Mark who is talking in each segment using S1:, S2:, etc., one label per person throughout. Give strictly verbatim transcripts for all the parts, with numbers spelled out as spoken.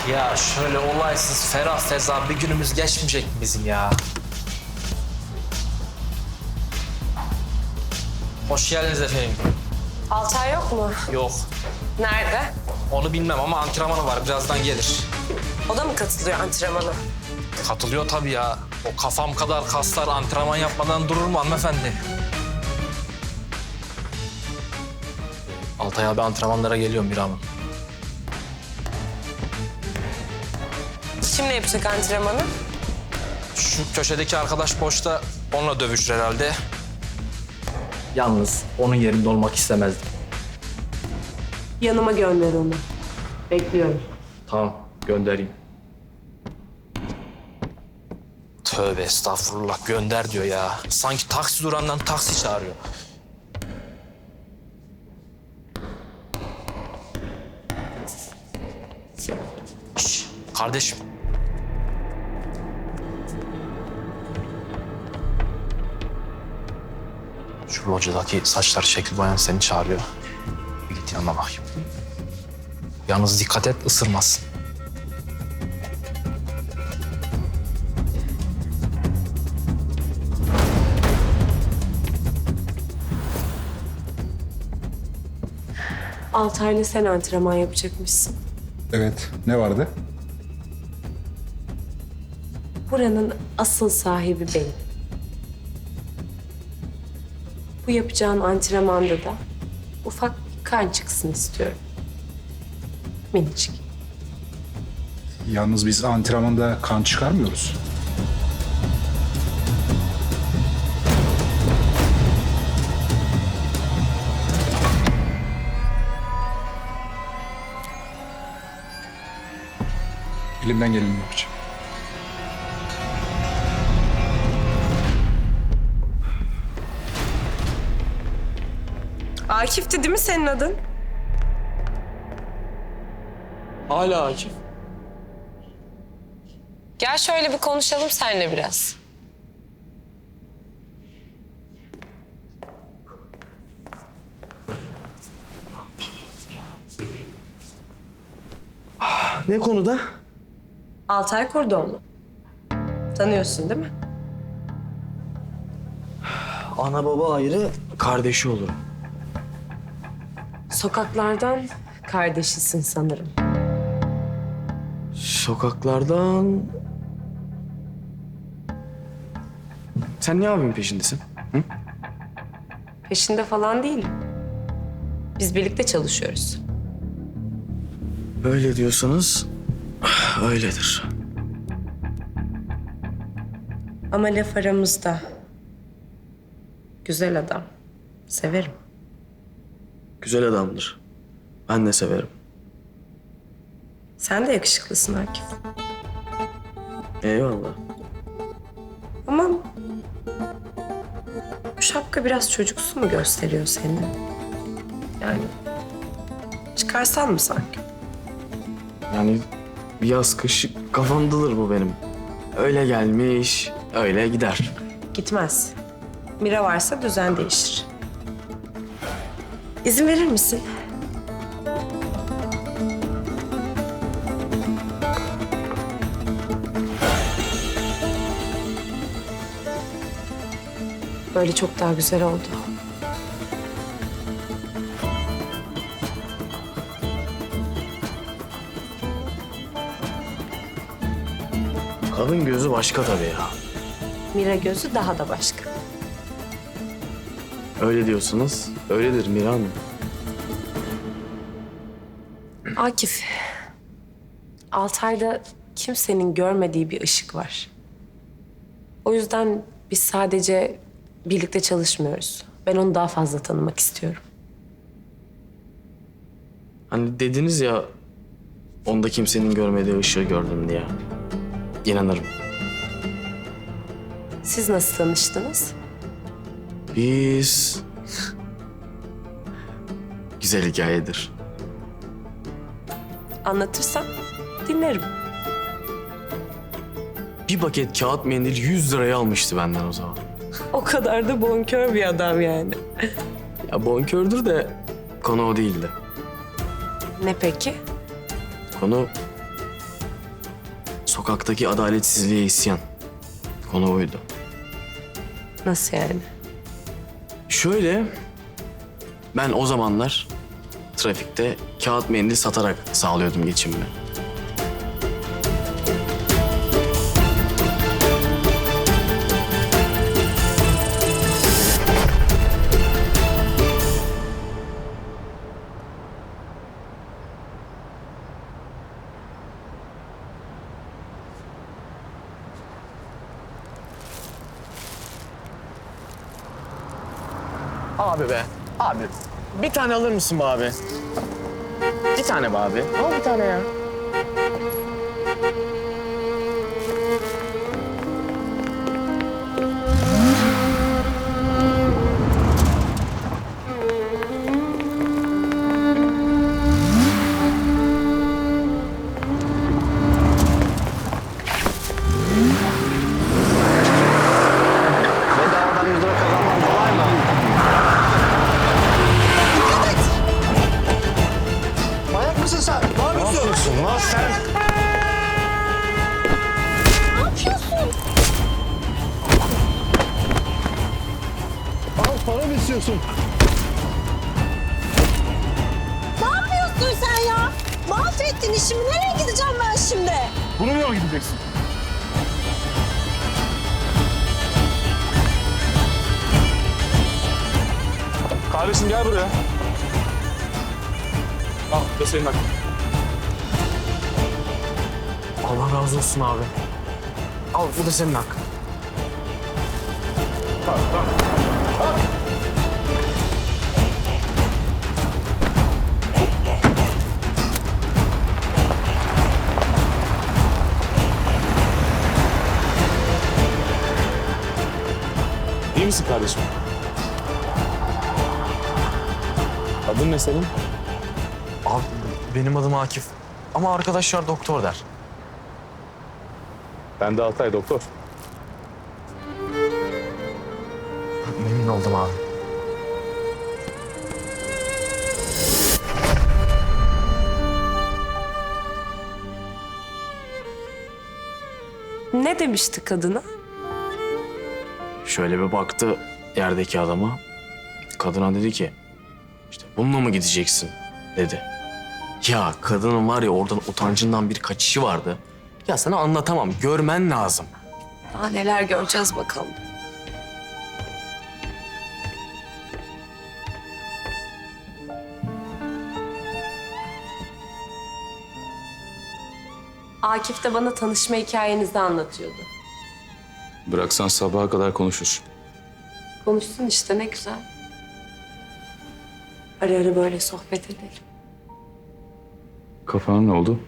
S1: Ya şöyle olaysız, ferah feza bir günümüz geçmeyecek mi bizim ya? Hoş geldiniz efendim.
S2: Altay yok mu?
S1: Yok,
S2: Nerede?
S1: onu bilmem ama antrenmanı var. Birazdan gelir.
S2: O da mı katılıyor antrenmana?
S1: Katılıyor tabii ya. O kafam kadar kaslar antrenman yapmadan durur mu hanımefendi? Altay abi antrenmanlara geliyor Mira Hanım.
S2: Kimle yapacak antrenmanı?
S1: Şu köşedeki arkadaş boşta, onunla dövüşür herhalde. Yalnız onun yerinde olmak istemezdim.
S2: Yanıma gönder onu. Bekliyorum.
S1: Tamam, göndereyim. Tövbe estağfurullah, gönder diyor ya. Sanki taksi durandan taksi çağırıyor. Şş, kardeşim. Şu locadaki saçlar şekil bayan seni çağırıyor. Bir git yanına bakayım. Yalnız dikkat et, ısırmazsın.
S2: Altay'la sen antrenman yapacakmışsın.
S3: Evet, ne vardı?
S2: Buranın asıl sahibi benim. Bu yapacağın antrenmanda da ufak bir kan çıksın istiyorum. Minicik.
S3: Yalnız biz antrenmanda kan çıkarmıyoruz. Elimden geleni yapacağım.
S2: Akif'ti değil mi senin adın?
S1: Hala Akif.
S2: Gel şöyle bir konuşalım seninle biraz.
S4: Ne konuda?
S2: Altay Kurdoğlu. Tanıyorsun değil mi?
S4: Ana baba ayrı, kardeşi olurum.
S2: Sokaklardan kardeşisin sanırım.
S4: Sokaklardan... Sen niye abimin peşindesin? Hı?
S2: Peşinde falan değilim. Biz birlikte çalışıyoruz.
S4: Öyle diyorsanız öyledir.
S2: Ama laf aramızda. Güzel adam. Severim.
S4: Güzel adamdır. Ben de severim.
S2: Sen de yakışıklısın Akif.
S4: Eyvallah.
S2: Ama bu şapka biraz çocuksu mu gösteriyor seni? Yani çıkarsan mı sanki?
S4: Yani yaz kış kafamdadır bu benim. Öyle gelmiş, öyle gider.
S2: Gitmez. Mira varsa düzen değişir. İzin verir misin? Böyle çok daha güzel oldu.
S4: Kadın gözü başka tabii ya.
S2: Mira gözü daha da başka.
S4: Öyle diyorsunuz, öyledir Mira Hanım.
S2: Akif, Altay'da kimsenin görmediği bir ışık var. O yüzden biz sadece birlikte çalışmıyoruz. Ben onu daha fazla tanımak istiyorum.
S4: Hani dediniz ya, onda kimsenin görmediği ışığı gördüm diye. İnanırım.
S2: Siz nasıl tanıştınız?
S4: Biz... Güzel hikayedir.
S2: Anlatırsan dinlerim.
S4: Bir paket kağıt mendil yüz liraya almıştı benden o zaman.
S2: O kadar da bonkör bir adam yani.
S4: Ya bonkördür de konu o değildi.
S2: Ne peki?
S4: Konu sokaktaki adaletsizliğe isyan. Konu oydu.
S2: Nasıl yani?
S4: Şöyle, ben o zamanlar trafikte kağıt mendil satarak sağlıyordum geçimimi. Abi be, abi. Bir tane alır mısın be abi? Bir tane be abi. Al bir tane ya. Bedavadan yüz lira kazanmam kolay mı? Manyak mısın sen? Ne yapıyorsun lan sen?
S5: Ne yapıyorsun?
S6: Al para mı istiyorsun?
S5: Ne yapıyorsun sen ya? Mahvettin işimi. Nereye gideceğim ben şimdi?
S6: Bunu mu gideceksin? Kardeşim gel buraya. Al bu da senin hakkın.
S4: Allah razı olsun abi. Al bu da senin hakkın.
S6: İyi misin kardeşim? Adın ne senin?
S4: Abi benim adım Akif. Ama arkadaşlar doktor der.
S6: Ben de Altay doktor.
S4: Memnun oldum abi.
S2: Ne demişti kadına?
S4: Şöyle bir baktı yerdeki adama. Kadına dedi ki, işte bununla mı gideceksin dedi. Ya kadının var ya oradan utancından bir kaçışı vardı. Ya sana anlatamam, görmen lazım.
S2: Daha neler göreceğiz bakalım. Akif de bana tanışma hikayenizi anlatıyordu.
S6: Bıraksan sabaha kadar konuşur.
S2: Konuşsun işte, ne güzel. Ara ara böyle sohbet edelim.
S6: Kafana ne oldu?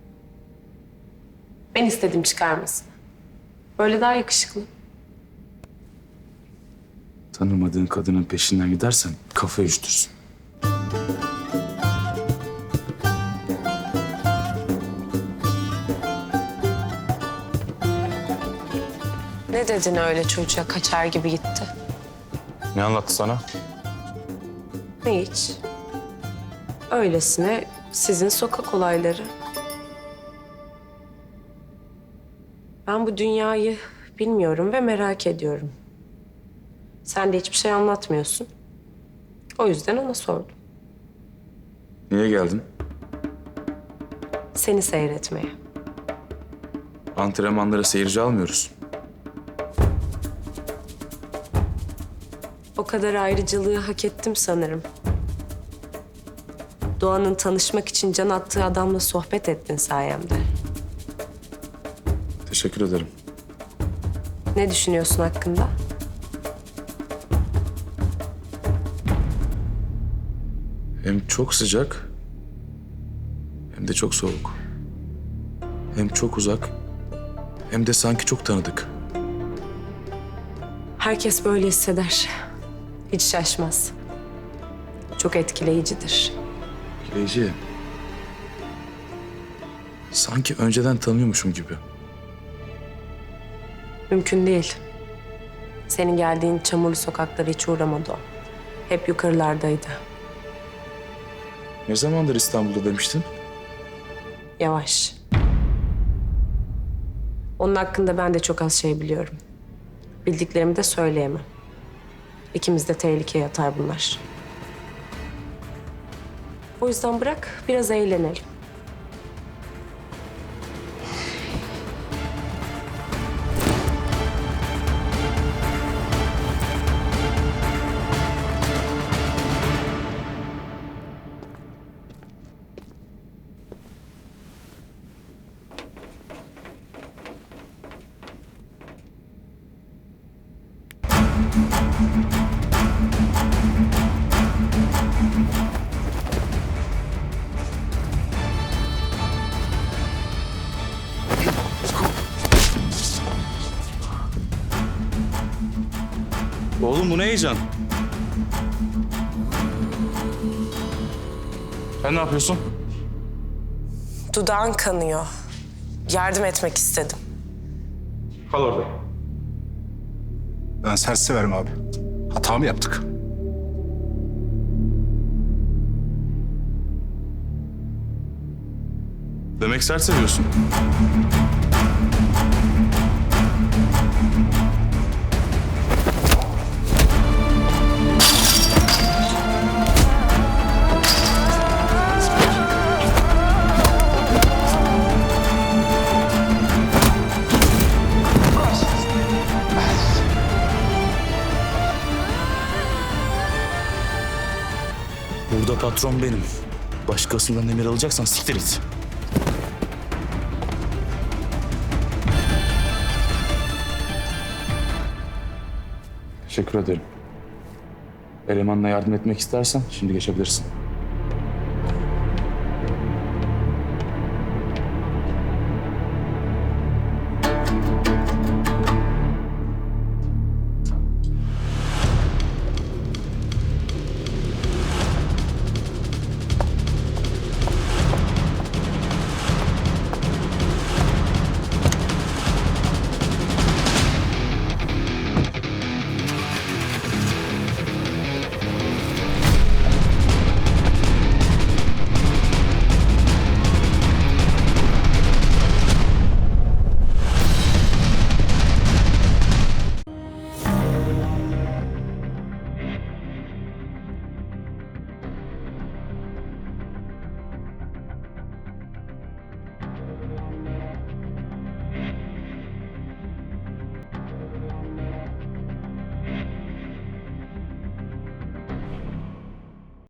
S2: Ben istedim çıkarmasını. Böyle daha yakışıklı.
S6: Tanımadığın kadının peşinden gidersen kafa üşütürsün.
S2: Ne dedin öyle çocuğa, kaçar gibi gitti?
S6: Ne anlattı sana?
S2: Hiç. Öylesine sizin sokak olayları. Ben bu dünyayı bilmiyorum ve merak ediyorum. Sen de hiçbir şey anlatmıyorsun. O yüzden ona sordum.
S6: Niye geldin?
S2: Seni seyretmeye.
S6: Antrenmanlara seyirci almıyoruz.
S2: O kadar ayrıcalığı hak ettim sanırım. Doğan'ın tanışmak için can attığı adamla sohbet ettin sayemde.
S6: Teşekkür ederim.
S2: Ne düşünüyorsun hakkında?
S6: Hem çok sıcak hem de çok soğuk. Hem çok uzak hem de sanki çok tanıdık.
S2: Herkes böyle hisseder. Hiç şaşmaz. Çok etkileyicidir.
S6: Etkileyici. Sanki önceden tanıyormuşum gibi.
S2: Mümkün değil. Senin geldiğin çamurlu sokaklara hiç uğramadı o. Hep yukarılardaydı.
S6: Ne zamandır İstanbul'da demiştin?
S2: Yavaş. Onun hakkında ben de çok az şey biliyorum. Bildiklerimi de söyleyemem. İkimiz de tehlikeye atar bunlar. O yüzden bırak biraz eğlenelim.
S6: Oğlum bu ne heyecan? Sen ne yapıyorsun?
S2: Dudağın kanıyor. Yardım etmek istedim.
S3: Kal orada. Ben sert severim abi. Hata mı yaptık?
S6: Demek sert seviyorsun. Burada patron benim. Başkasından emir alacaksan siktir et. Teşekkür ederim. Elemanla yardım etmek istersen şimdi geçebilirsin.